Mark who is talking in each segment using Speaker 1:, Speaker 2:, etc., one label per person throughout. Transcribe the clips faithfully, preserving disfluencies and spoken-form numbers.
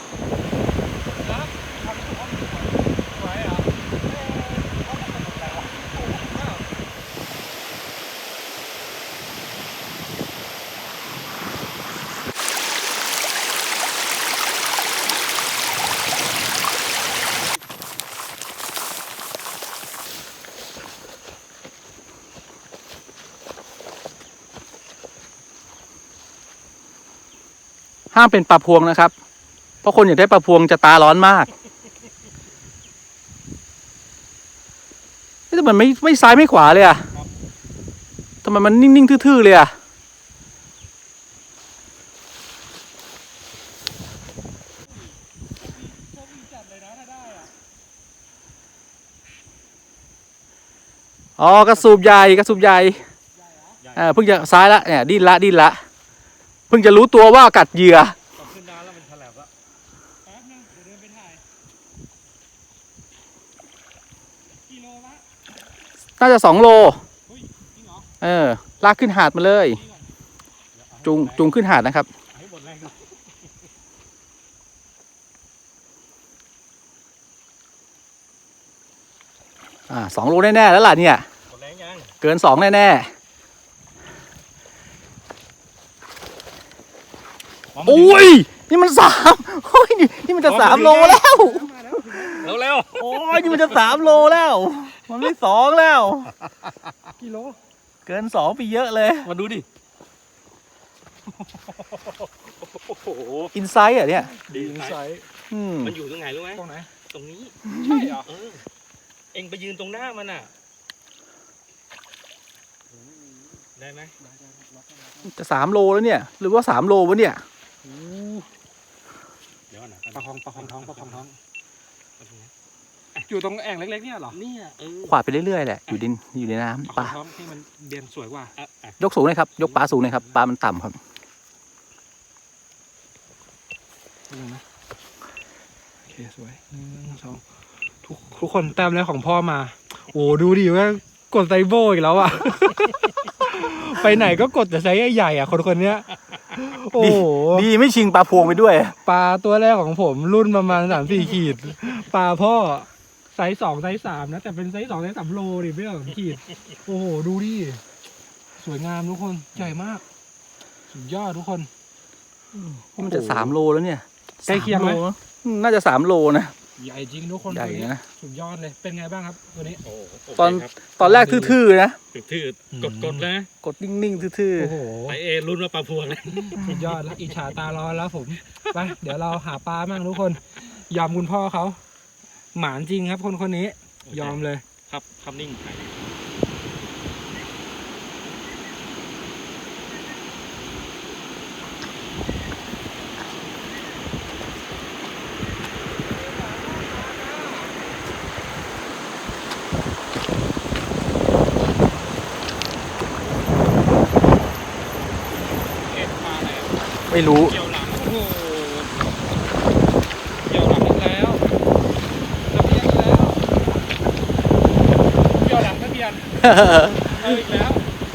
Speaker 1: ห้ามเป็นปลาพวงนะครับเพราะคนอยากได้ปลาพวงจะตาร้อนมากแต่มันไม่ไม่ซ้ายไม่ขวาเลยอะทำไมมันนิ่งๆทื่อๆเลยอะอ๋อกระสูบใหญ่กระสูบใหญ่อ่าเพิ่งจะซ้ายละเนี่ยดิ้นละดิ้นละเพิ่งจะรู้ตัวว่ากัดเหยื่อขึ้นน้ำแล้วมันแฉลบละแป๊บนึงเดี๋ยวเดินไปถ่ายกิโลละน่าจะสองโลเออลากขึ้นหาดมาเลยจูงจูงขึ้นหาดนะครับอ่าสองโลแน่ๆแล้วล่ะเนี่ยเกินสองแน่ๆโอ้ยนี่มันสามโอ้ยนี่มันจะสามโลแล้วแล้วแล้วโอ้ยนี่มันจะสามโลแล้วมันไม่สองแล้วกิโลเกินสองไปเยอะเลยมาดูดิอินไซต์อ่ะเนี่ยอินไซต์มันอยู่ตรงไหนรู้ไหมตรงไหนตรงนี้ใช่เหรอเออเอ็งไปยืนตรงหน้ามันอ่ะได้ไหมจะสามโลแล้วเนี่ยหรือว่าสามโลวะเนี่ยเดี๋ยวนะประคองประคองท้องประคองท้องอยู่ตรงแอ่งเล็กๆเนี่ยหรอเนี่ยขวาดไปเรื่อยๆแหละอยู่ดินอยู่ในน้ำปลาท้องที่มันเด่นสวยกว่ายกสูงเลยครับยกปลาสูงเลยครับปลามันต่ำครับโอเคสวยหนึ่งสองทุกทุกคนแต้มแรกของพ่อมาโอ้ดูดิว่ากดไซโบอีกแล้วอ่ะไปไหนก็กดแต่ไซส์ใหญ่ๆอ่ะคนคนนี้โอ้ดีไม่ชิงปลาพวงไปด้วยปลาตัวแรกของผมรุ่นประมาณสามสี่ขีดปลาพ่อไซส์สองไซส์สามนะแต่เป็นไซส์สองไซส์สามโลดิไม่ใช่สองขีดโอ้โหดูดิสวยงามทุกคนใหญ่มากสุดยอดทุกคนมันจะสามโลแล้วเนี่ยใกล้เคียงไหมน่าจะสามโลนะใหญ่จริงทุกคนใหญ่นะสุดยอดเลยเป็นไงบ้างครับตัวนี้ตอนตอนแรกทื่อๆนะทื่อๆกดๆนะกดนิ่งๆทื่อๆโอ้โหไอเอรุ่นว่าปลาพวงเลยสุดยอดแล้วอิจฉาตาร้อนแล้วผมไปเดี๋ยวเราหาปลาบ้างทุกคนยอมคุณพ่อเขาหมานจริงครับคนคนนี้ยอมเลยครับคำนิ่งไม่รู้เกี่ยวหลังโอ้โหเกี่ยวหลังอีกแล้วทะเบียนแล้วเกี่ยวหลังทะเบียนเอาอีกแล้ว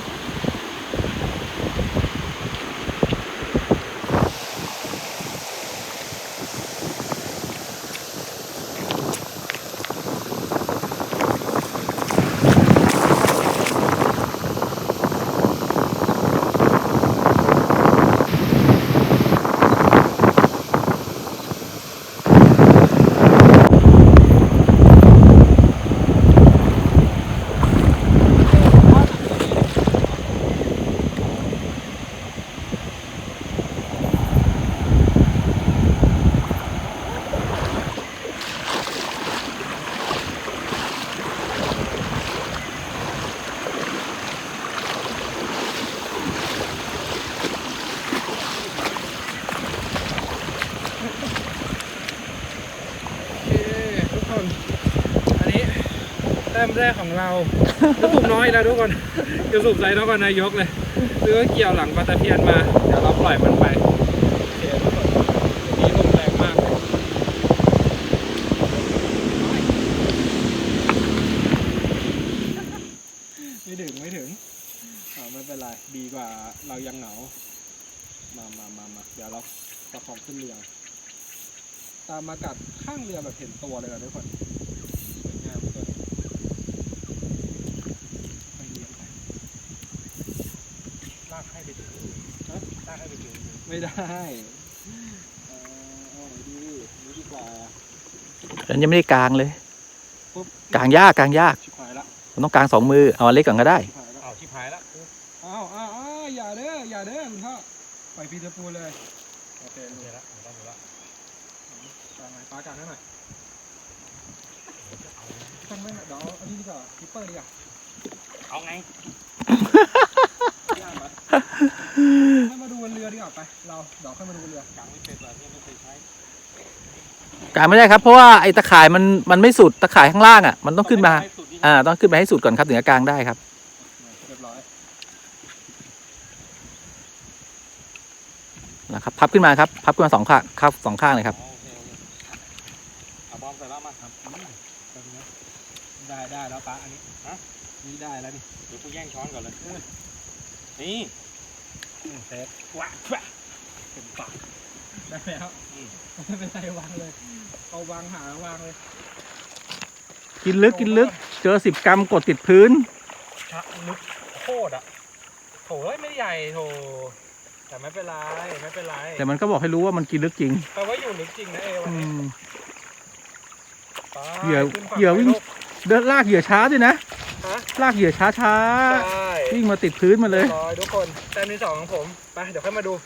Speaker 1: แต้มแรกของเราจะสูบน้อยแล้วทุกคนจะสูบไซส์นครนายกเลยซื้อเกี่ยวหลังปลาตะเพียนมาเดี๋ยวเราปล่อยมันไปโอเคทุกคนนี้ลมแรงมากไม่ถึงไม่ถึงไม่เป็นไรดีกว่าเรายังเหงามามามามาเดี๋ยวเราประคองขึ้นเรือตามมากัดข้างเรือแบบเห็นตัวเลยนะทุกคนสวยงามตัวนี้ไปเลี้ยงไปลากให้ไปถึงนะลากให้ไปถึงไม่ได้เออเอาไหนดีนี่ดีกว่า
Speaker 2: ฉันยังไม่ได้กางเลย
Speaker 1: ปุ๊บ
Speaker 2: กางยากกางยาก
Speaker 1: ชิบหายละ
Speaker 2: มันต้องกางสองมือเอาอันเล็กก่อนก็ได้
Speaker 1: ชิบหายละเอาชิบหายละอ้าวอ้าวอ้าวอย่าเด้ออย่าเด้อคุณพ่อปล่อยพีเตอร์พูลเลยโอเครู้ละรู้ละรู้ละกางไหนปลากางให้หน่อยทำไมเดี๋ยวเอาอันนี้ดีกว่าคิปเปอร์ดีกว่า
Speaker 3: เอาไง
Speaker 1: ย่างมาให้มาดูบนเรือดีกว่าไปเราเดี๋ยวค่อยมาดูบนเรือกางไม่เป็นแบบนี้ไม่เคยใช้
Speaker 2: กางไม่ได้ครับเพราะว่าไอ้ตะข่ายมันมันไม่สุดตะข่ายข้างล่างอ่ะมันต้องขึ้นมาอ่าต้องขึ้นไปให้สุดก่อนครับถึงจะกางได้ครับ
Speaker 1: เรียบร้อย
Speaker 2: นะครับพับขึ้นมาครับพับขึ้นมาสองข้างครับสองข้างเลยครับ
Speaker 1: โอเคโอเคเอาบอมใส่แล้วมาครับได้ได้แล้วปะอันนี้ฮะนี่ได้แล้วนี่
Speaker 3: เดี๋ยวกูแย่งช้อนก่อนเลยนี่
Speaker 1: เซฟว้าว้าเต็มปากได้แล้วไม่เป็นไรวางเลยเอาวางหาวางเลย
Speaker 2: กินลึกกินลึกเจอสิบกรัมกดติดพื้น
Speaker 1: ชะลึกโคตรอ่ะโถไม่ใหญ่โถแต่ไม่เป็นไรไม่เป็นไร
Speaker 2: แต่มันก็บอกให้รู้ว่ามันกินลึกจริง
Speaker 1: แต่ว่าอยู่ลึกจริงนะเอวัน
Speaker 2: อื
Speaker 1: นี้
Speaker 2: ม
Speaker 1: ไป
Speaker 2: เหยื่อ
Speaker 1: ขึ้นฝั่ง
Speaker 2: เหยื่อวิ่ง
Speaker 1: ไปลูก
Speaker 2: เดินลากเหยื่อช้าด้วยนะ
Speaker 1: ฮะ
Speaker 2: ลากเหยื่อช้าช้า
Speaker 1: ใช่
Speaker 2: วิ่งมาติดพื้นมาเลย
Speaker 1: ร้อยทุกคนแต้มที่สองของผมไปเดี๋ยวค่อยมาดู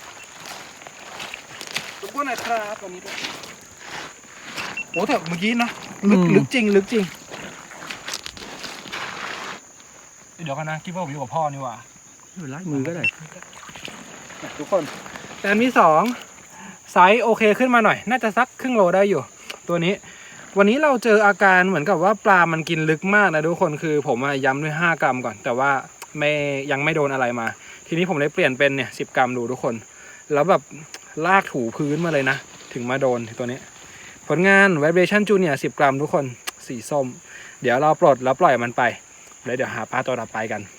Speaker 1: ทุกคนหน่อยครับวันนี้ด้วยโอ้แต่เมื่อกี้นะลึก
Speaker 2: อืม
Speaker 1: ลึกจริงลึกจริงเดี๋ยวกันนะคิดว่าผมอยู่กับพ่อนี่หว่า
Speaker 2: ไม่เป็นไรมือก็ได้
Speaker 1: ทุกคนแต้มที่สองไซส์โอเคขึ้นมาหน่อย น่าจะสักครึ่งโลได้อยู่ ตัวนี้ วันนี้เราเจออาการเหมือนกับว่าปลามันกินลึกมากนะทุกคนคือผมอะย้ำด้วยห้ากรัมก่อน แต่ว่าไม่ยังไม่โดนอะไรมา ทีนี้ผมเลยเปลี่ยนเป็นเนี่ยสิบกรัมดูทุกคน แล้วแบบลากถูพื้นมาเลยนะ ถึงมาโดนตัวนี้ ผลงาน Vibration Junior สิบกรัมทุกคนสีส้ม เดี๋ยวเราปลดแล้วปล่อยมันไปแล้วเดี๋ยวหาปลาตัวต่อไปกัน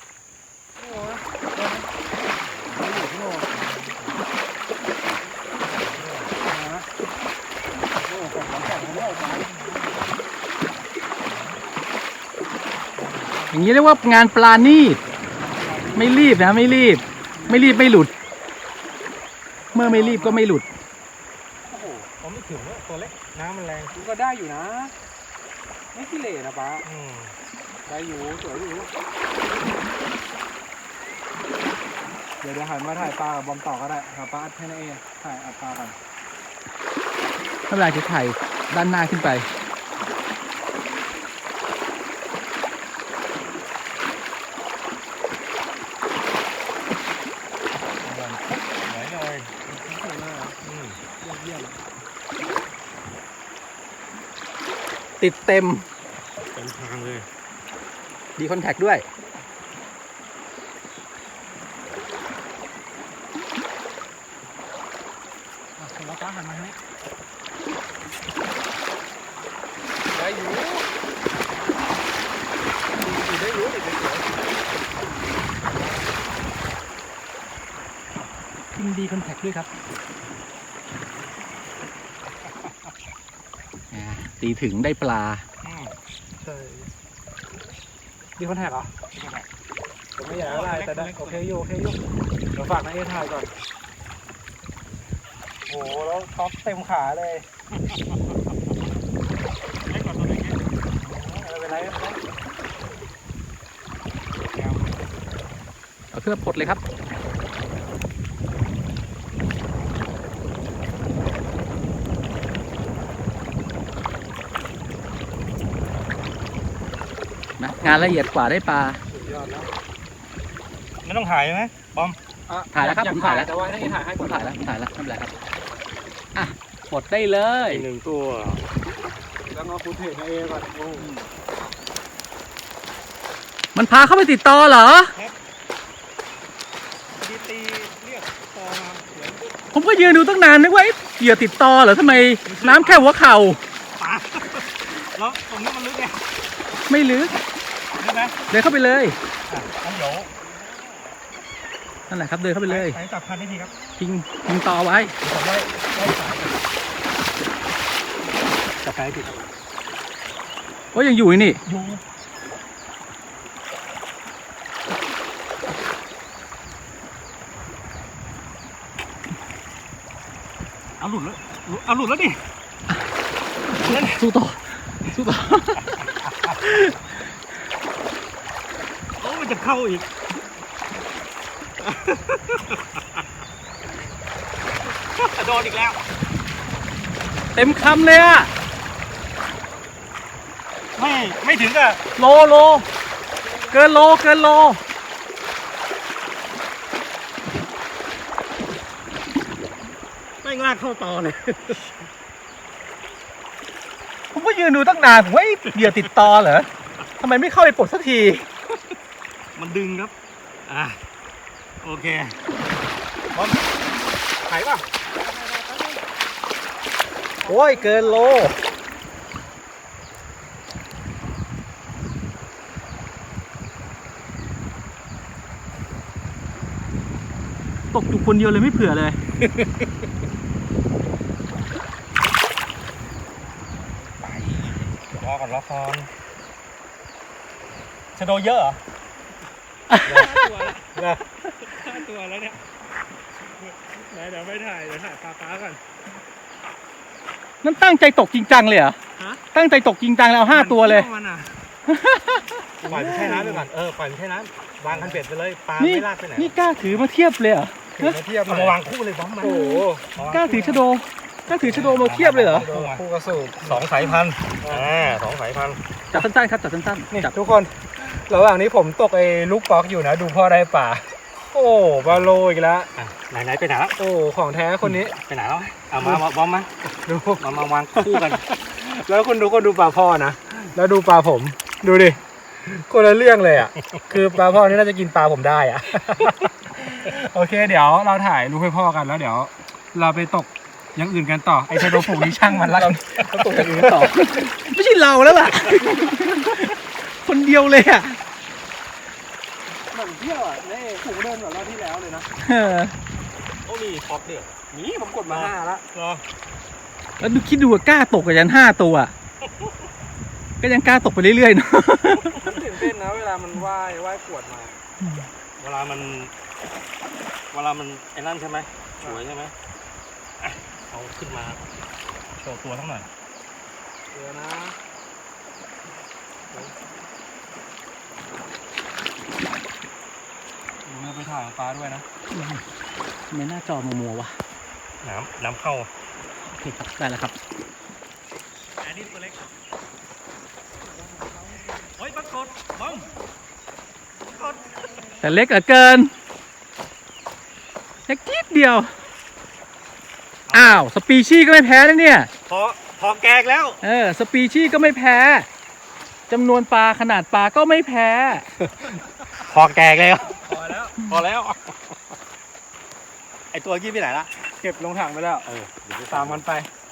Speaker 2: อย่างนี้เรียกว่างานปลาณีตไม่รีบนะไม่รีบ ไม่รีบไม่หลุด เมื่อไม่รีบก็ไม่หลุด
Speaker 1: โอ้โหผมไม่ถึงว่าตัวเล็กน้ำมันแรงก็ได้อยู่นะ ไม่ขี้เหร่นะป้าได้อยู่สวยอยู่เดี๋ยวเดี๋ยวหันมาถ่ายปลากับบอมต่อก็ได้ครับป้าให้นาเอถ่ายอัดปลากัน
Speaker 2: ถ้าเวลาจะถ่ายด้านหน้าขึ้นไป
Speaker 3: ไหนเลย
Speaker 1: สวยมากอืมยอดเยี่ยม
Speaker 2: ติดเต็ม
Speaker 3: เต็มทางเลย
Speaker 2: ดีคอนแทคด้วย
Speaker 1: อ่ะเสร็จแล้วป้าหันมาให้ได้อยู่ได้อยู่ได้อยู่
Speaker 2: พิมดีคอนแทคด้วยครับตีถึงได้ปลา
Speaker 1: ใช่มีคอนแทคเหรอผมไม่อยากอะไรแต่ได้โอเคอยู่โอเคอยู่เดี๋ยวฝากนาเอถ่ายก่อนโอ้โหแล้วท็อปเต็มขาเลย
Speaker 3: เล็กกว่าตัวเล็กนิด
Speaker 1: ไม่เป็นไรไม่เป็นไร
Speaker 2: เอาเครื่องปลดเลยครับนะงานละเอียดกว่าได้ปลา
Speaker 1: สุดยอดแล้ว
Speaker 3: ไม่ต้องถ่ายใช่ไหมบอม
Speaker 1: อ่ะ
Speaker 2: ถ่ายแล้วครับ
Speaker 1: อ
Speaker 2: ผมถ่ายแล้ว
Speaker 1: แต่ว่าให้ถ่ายให้
Speaker 2: ผ
Speaker 1: ก่อ
Speaker 2: ม
Speaker 1: น
Speaker 2: ถ่ายแล้วผมถ่ายแล้วไม่เป็นไรครับอ่ะปลดได้เลย
Speaker 3: อีกหนึ่งตัว
Speaker 1: แล้วก็ฟุตเทจนาเอก่อนโอ้
Speaker 2: มันพาเข้าไปติดต่อเหรอ
Speaker 3: ตีตีเรียกตอมาเหมือน
Speaker 2: ผมก็ยืนดูตั้งนานนึกว่าเอ๊ะเหยื่อติดต่อเหรอทำไมน้ำแค่หัวเข่า
Speaker 3: ปลาแล้วตรงนี้มันลึกไง
Speaker 2: ไม่ลึก
Speaker 3: ลึกไหม
Speaker 2: เดินเข้าไปเลย
Speaker 3: อ่ะงั้นเดี๋ยว
Speaker 2: นั่นแหละครับเดินเข้าไปเลย
Speaker 3: ใช้จับพันได้ทีครับ
Speaker 2: ทิ้งทิ้งต่อไว้
Speaker 3: ผมได้ได้สายกันช้ติด
Speaker 2: โอ้ยยังอยู่นี่
Speaker 3: อยู่เอาหลุดแล้วเอาหลุดแล้วดิ
Speaker 2: สู้ต่อสู้ต่อ
Speaker 3: โอ้มันจะเข้าอีก โดนอีกแล้ว
Speaker 2: เต็มคำเลยอะ
Speaker 3: ไม่ไม่ถึงอะ
Speaker 2: โลโลเกินโลเกินโล
Speaker 3: ไม่งลากเข้าต่อเลย
Speaker 2: ผมก็ยืนดูตั้งนานผมว่าไอ้เหยื่อติดตอเหรอทำไมไม่เข้าไปปลดสักที
Speaker 3: มันดึงครับ อ่ะ โอเคพร้อมถ่ายป่ะ
Speaker 2: โอ้ยเกินโลตกอยู่คนเดียวเลยไม่เผื่อเลย
Speaker 3: รอก่อนรอก่อนชะโดเยอะเหรอ ตัวละห้าตัวแล้วเนี่ยไหนเดี๋ยวไม่ถ่ายเดี๋ยวถ่ายปลาปลาก่อน
Speaker 2: นั่นตั้งใจตกจริงจังเลยเหรอ
Speaker 3: ฮะ
Speaker 2: ตั้งใจตกจริงจังแล้วเอาห้าตัวเลย
Speaker 3: มันอ่ะปล่อยมันแช่น้ำไปก่อน เออ ปล่อยมันแช่น้ำวางคันเบ็ดไปเลย ปลา
Speaker 2: นี่
Speaker 3: ไม่ลากไปไหน
Speaker 2: นี่กล้าถือมาเทียบเลยเหรอ
Speaker 3: ถือมาเทียบเอามาวางคู่เลยบ้อมมัน
Speaker 1: โอ้โห
Speaker 2: กล้าถือชะโดกล้าถือชะโดมาเทียบเลยเหรอ
Speaker 1: คู่กระสูบ
Speaker 3: สองสายพันธุ์อ่าสองสายพันธุ์
Speaker 2: จับสั้นๆครับจับสั้น
Speaker 1: นี่
Speaker 2: ๆจับ
Speaker 1: ทุกคนระหว่างนี้ผมตกไอ้ลูกป๊อกอยู่นะ ดูพ่อได้ป่า โอ้บาโลอีกแล้ว
Speaker 3: อ่ะไหนไหนไปไหนแล้ว
Speaker 1: โอ้ของแท้คนนี้
Speaker 3: ไปไหนแล้วเอามามาบอมมา
Speaker 1: ดู
Speaker 3: มามาวางคู่กัน
Speaker 1: แล้วคนดูคนดูปลาพ่อนะ แล้วดูปลาผม ดูดิคนละเรื่องเลยอ่ะ คือปลาพ่อนี่น่าจะกินปลาผมได้อ่ะ โอเค เดี๋ยวเราถ่ายรูปให้พ่อกันแล้วเดี๋ยว เราไปตกอย่างอื่นกันต่อ ไอ้ชะโดฝูงนี้ช่างมันละกันเราตกอย่างอื่นกันต่อ
Speaker 2: ไม่ใช่เราแล้วล่ะ คนเดียวเลยอ่ะ
Speaker 1: เหมือนเที่ยวอ่ะในฝูงเดินเหมือนรอบที่แล้วเลยนะ
Speaker 2: เออ
Speaker 3: โอ้มีพอกเดือด
Speaker 1: นี่ผมกดมาห้าละ
Speaker 3: รอ
Speaker 2: แล้วดูคิดดูว่ากล้าตกกับยันห้าตัวอะก็ยังกล้าตกไปเรื่อยๆเนาะ
Speaker 1: มันตื่นเต้นนะเวลามันว่ายว่ายขวดมา
Speaker 3: เวลามัน เวลามันไอ้นั่นใช่ไหมสวยใช่ไหมอ่ะเอาขึ้นมาโชว์ตัวทั้งหน่อย
Speaker 1: เดี๋ยวนะดูเนื้อไปถ่ายของปลาด้วยนะ
Speaker 2: ทำไมหน้าจอมัวๆวะ
Speaker 3: น้ำน้ำเข้า
Speaker 2: โอเคครับได้แล้วครับ
Speaker 3: อันนี้ตัวเล็กโอ้ยปรากฏบ้องปรากฏ
Speaker 2: แต่เล็กเหลือเกินเล็กนิดเดียว อ้าวสปีชีส์ก็ไม่แพ้นะเนี่ย
Speaker 3: พอพอแกกแล้ว
Speaker 2: เออสปีชีส์ก็ไม่แพ้จำนวนปลาขนาดปลาก็ไม่แพ้
Speaker 3: พอแกกแล้ว
Speaker 1: พอแล้ว
Speaker 3: พอแล้ว ไอตัวกี้ไปไหนละ
Speaker 1: เก็บลงถังไปแล้ว
Speaker 3: เออเดี๋ยวไป
Speaker 1: ตามกันไป
Speaker 3: เ